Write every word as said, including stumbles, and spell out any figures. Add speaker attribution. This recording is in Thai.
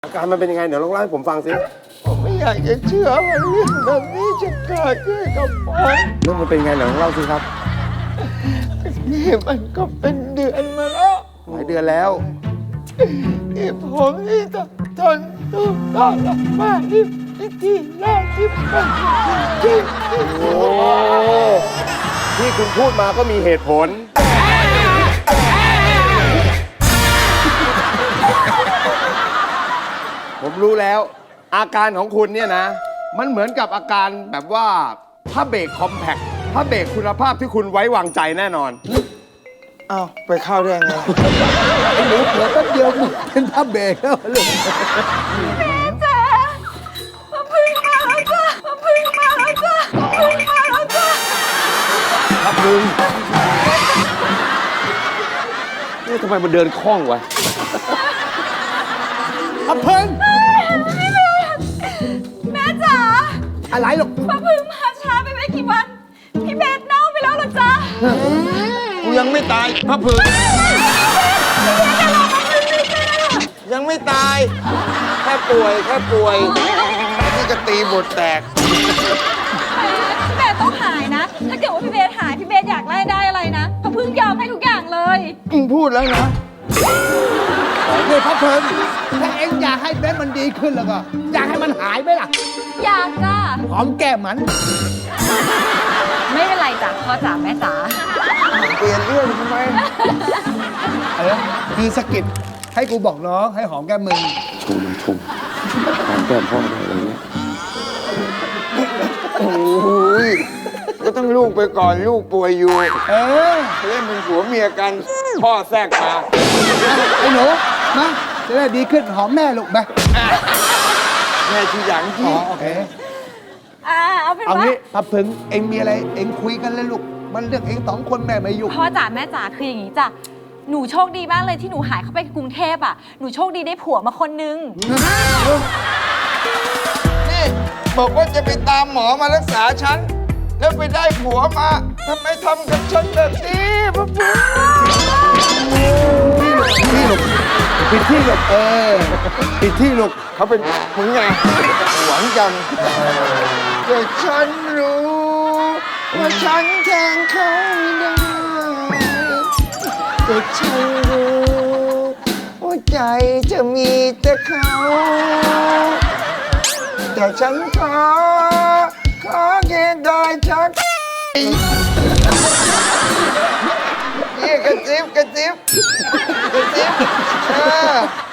Speaker 1: อาการมันเป็นยังไงเดี๋ยวลองเล่าให้ผมฟังสิ
Speaker 2: ผมไม่อยากจะเชื่อว่าเรื่องแบบนี้จะเกิดขึ้นกับผม
Speaker 1: เรื่องมันเป็นยังไงเดี๋ยวลองเล่าสิครับ
Speaker 2: นี่มันก็เป็นเดือนมาแล้ว
Speaker 1: หลายเดือนแล้ว
Speaker 2: ที่ผมนี่ต้องทนทุกข์ทรมานที่ที่แรกที่มันที่ที่
Speaker 1: โอ้ที่คุณพูดมาก็มีเหตุผล ผมรู้แล้ว อาการของคุณเนี่ยนะ มันเหมือนกับอาการแบบว่าผ้าเบรกคอมแพคผ้าเบรกคุณภาพที่คุณไว้วางใจแน่นอน
Speaker 2: เอ้าไปเข้าได้ไง
Speaker 3: ไอ้หนูเผื่อแป๊บเดียวมึงเป็นผ้าเบรกแล้วลูก
Speaker 4: จ้ามาพึ่งมาแล้วจ้ามาพึ่งมาแล้วจ้ามาพึ่งมาแล้วจ้า
Speaker 1: ครับลุงนี่ทำไมมันเดินคล่องวะ
Speaker 3: อะเพิ่ง
Speaker 4: แม่จ๋า
Speaker 3: อะไรหรอก
Speaker 4: มาพึ่งมาช้าไปไม่กี่วัน พี่เบสเน่าไปแล้วเหรอจ๊ะ
Speaker 2: กูยังไม่ตายพระผึ่งยังไม่ตาย แค่ป่วยแค่ป่วยนี่ก็ตีบทแตก
Speaker 4: พี่เบสต้องหายนะ ถ้าเกิดว่าพี่เบสหายพี่เบสอยากไล่ได้อะไรนะมาพึ่งยอมให้ทุกอย่างเลย
Speaker 2: มึงพูดแล้วนะ
Speaker 3: นี่พระเพิ่งถ้าเอ็งอยากให้เบสมันดีขึ้นแล้วก็ อยากให้มันหายไหมล่ะ
Speaker 4: อยากจ้า
Speaker 3: หอมแก้มมัน
Speaker 4: ไม่เป็นไรจ้ะพ่อจ๋าแม่จ๋า
Speaker 2: เปลี่ยนเรื่องทำไม
Speaker 3: อะไรนะคือสะกิดให้กูบอกน้องให้หอมแก้มมึง
Speaker 1: ชุมชุมหอมแก้มพ่อได้อะไรเงี้ย
Speaker 2: โอ้ยก็ต้องลูกไปก่อนลูกป่วยอยู่
Speaker 3: เออ
Speaker 2: เล่นเป็นผัวเมียกัน พ่อแทรกมา
Speaker 3: ไอ้หนูมาจะได้ดีขึ้นหอมแม่ลูกไป
Speaker 2: แม่ทีหลัง
Speaker 3: อ๋
Speaker 2: ที่
Speaker 3: อโอเค
Speaker 4: อ่าเอาเป็น
Speaker 3: เอา
Speaker 4: ว่า
Speaker 3: งี้พระเพิ่งเอ็งมีอะไรเอ็งคุยกันเลยลูก มันเรื่องเอ็งสองคนแม่ไม่ยุ่ง
Speaker 4: พ่อจ๋าแม่จ๋าคืออย่างนี้จ้ะหนูโชคดีมากเลยที่หนูหายเข้าไปกรุงเทพอ่ะหนูโชคดีได้ผัวมาคนนึง
Speaker 2: นี่บอกว่าจะไปตามหมอมารักษาฉัน แล้วไปได้ผัวมาทำไมทำกับฉันแบบนี้พระพุทธ
Speaker 3: ที่ลูกปิดที่ลูกเออปิดที่ลูก
Speaker 2: เขาเป็นมึงไงหวังจังแต่ฉันรู้ ว่าฉันแทงเขาไม่ได้แต่ฉันรู้ว่าใจจะมีแต่เขา แต่ฉันขอ ขอแค่ได้ชักนี่กระซิบกระซิบกระซิบเออ